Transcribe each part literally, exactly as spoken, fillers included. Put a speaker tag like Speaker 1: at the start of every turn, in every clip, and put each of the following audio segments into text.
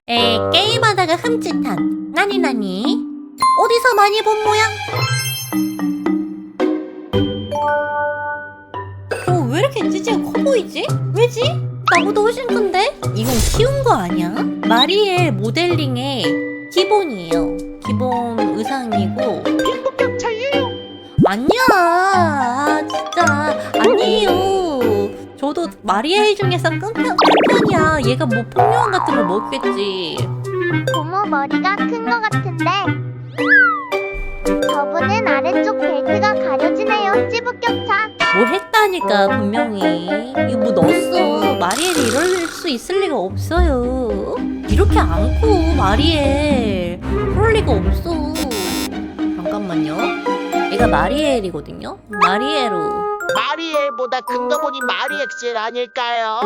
Speaker 1: 에 게임하다가 흠칫한 나니 나니 어디서 많이 본 모양? 어, 왜 이렇게 찌찌가 커 보이지? 왜지? 나보다 훨씬 큰데? 이건 키운 거 아니야? 마리엘 모델링의 기본이에요. 기본 의상이고
Speaker 2: 빈부격차예요.
Speaker 1: 아니야. 아, 진짜 아니에요. 저도 마리엘 중에서 끈 편, 큰 편이야. 얘가 뭐 폭력원 같은 걸 먹겠지.
Speaker 3: 고모 머리가 큰 거 같은데 저분은 아래쪽 벨트가 가려지네요. 찌부격차.
Speaker 1: 뭐 했다니까 분명히. 이거 뭐 넣었어. 마리엘이 이럴 수 있을 리가 없어요. 이렇게 안 커 마리엘. 그럴 리가 없어. 잠깐만요. 얘가 마리엘이거든요. 마리에로.
Speaker 2: 마리엘보다 큰 거 보니 마리엑셀 아닐까요?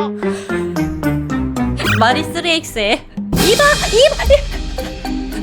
Speaker 1: 마리 쓰리 엑스에 이봐 이봐.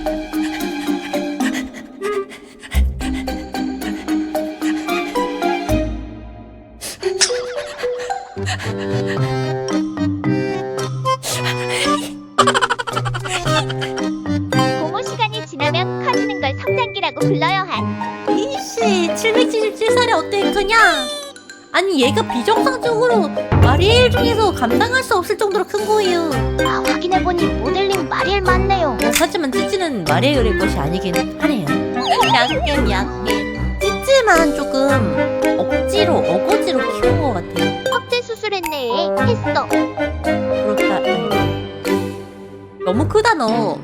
Speaker 3: 고모 시간이 지나면 커지는 걸 성장기라고 불러요 한.
Speaker 1: 이씨 칠백칠십칠 살에 어때 그냥. 아니 얘가 비정상적으로 마리엘 중에서 감당할 수 없을 정도로 큰 거예요.
Speaker 3: 아, 확인해보니 모델링 마리엘 맞네요.
Speaker 1: 하지만 찌찌는 마리엘의 것이 아니긴 하네요. 약간 약간 찌찌만 조금 억지로 어거지로 키운 것 같아요.
Speaker 3: 확대 수술했네. 했어.
Speaker 1: 그렇다. 너무 크다 너.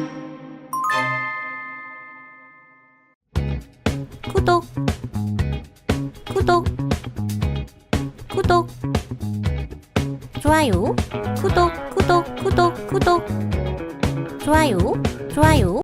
Speaker 1: 구독 구독 구독 좋아요 구독 구독 구독 구독 좋아요 좋아요